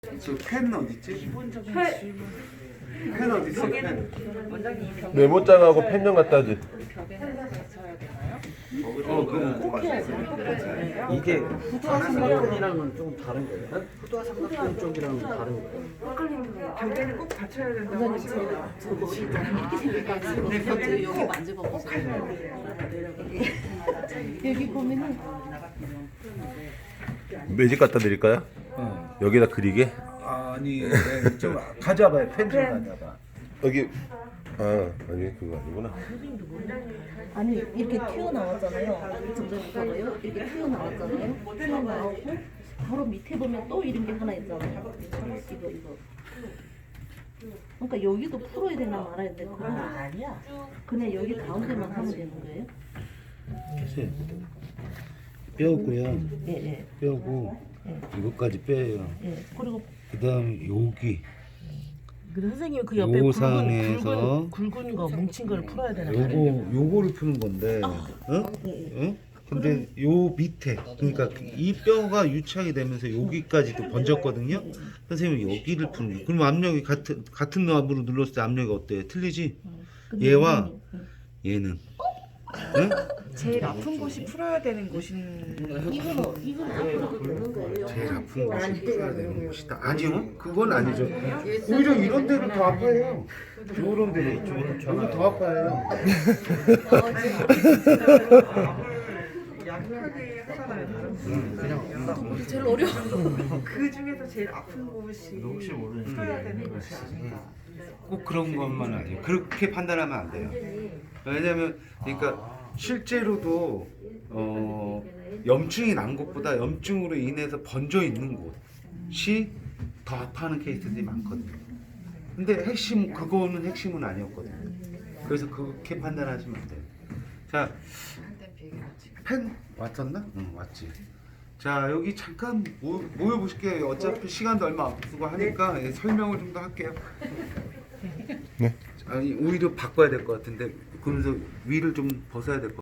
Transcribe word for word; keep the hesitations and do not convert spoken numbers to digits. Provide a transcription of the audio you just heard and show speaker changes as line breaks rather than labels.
저 펜 어디 있지? 펜 어디 있어? 펜.
메모장하고 펜좀 갖다 줘.
어, 그거 꼭 맞았어요.
이게 후두와 삼각형이랑은 좀 다른 거예요? 후두와 삼각형 쪽이랑은 다른 거예요?
벽에는 꼭 받쳐야 된다고 하시더라고요.
네, 여기 만져봐 보세요. 여기 보면은
매직 갖다 드릴까요?
어.
여기다 그리게?
아니, 네, 좀 가져와봐요. 펜 좀 가져와봐.
여기 아 아니 그거 아니구나.
아니 이렇게 튀어나왔잖아요. 점점 봐봐요. 이렇게 튀어나왔잖아요. 튀어나오고 바로 밑에 보면 또 이런 게 하나 있잖아요. 이거 이거. 그러니까 여기도 풀어야 되나 말아야 돼. 그건 아니야. 그냥 여기 가운데만 하면 되는 거예요?
빼고요.
예 예.
빼고 이것까지 빼요.
예. 그리고
그다음 여기
근데 선생님 그 옆에
요
굵은,
상에서
굵은, 굵은 거 뭉친 걸 풀어야 되나
요거
봐요.
요거를 푸는 건데, 어? 어? 근데 요 밑에 그러니까 이 뼈가 유착이 되면서 여기까지도 번졌거든요. 선생님 여기를 푸는 거예요. 그럼 압력이 같은 같은 압으로 눌렀을 때 압력이 어때요? 틀리지? 얘와 얘는 응?
제일 아픈 곳이 풀어야 되는 곳인
이거는 이거는 앞으로 되는 거예요.
제일 아픈 곳이 풀어야 되는 곳이다. 아니요, 그건 아니죠. 오히려 이런 데는 더 아파요. 이런 데는 이쪽은 더 아파요.
약하게 하잖아요. 다른
음,
분들은.
우리 제일 어려워.
그 중에서 제일 아픈 곳이 풀어야 되는 곳이 아닌가.
꼭 그런 것만 아니에요. 그렇게 판단하면 안 돼요. 왜냐면 그러니까 실제로도 어, 염증이 난 것보다 염증으로 인해서 번져 있는 곳이 더 아파하는 케이스들이 많거든요. 근데 핵심 그거는 핵심은 아니었거든요. 그래서 그렇게 판단하시면 안 돼요. 자, 펜 왔었나? 응, 왔지. 자, 여기 잠깐 모, 모여 보실게요. 어차피 시간도 얼마 없고 하니까 예, 설명을 좀 더 할게요.
네.
아니 오히려 바꿔야 될 것 같은데 그러면서 위를 좀 벗어야 될 것 같아요.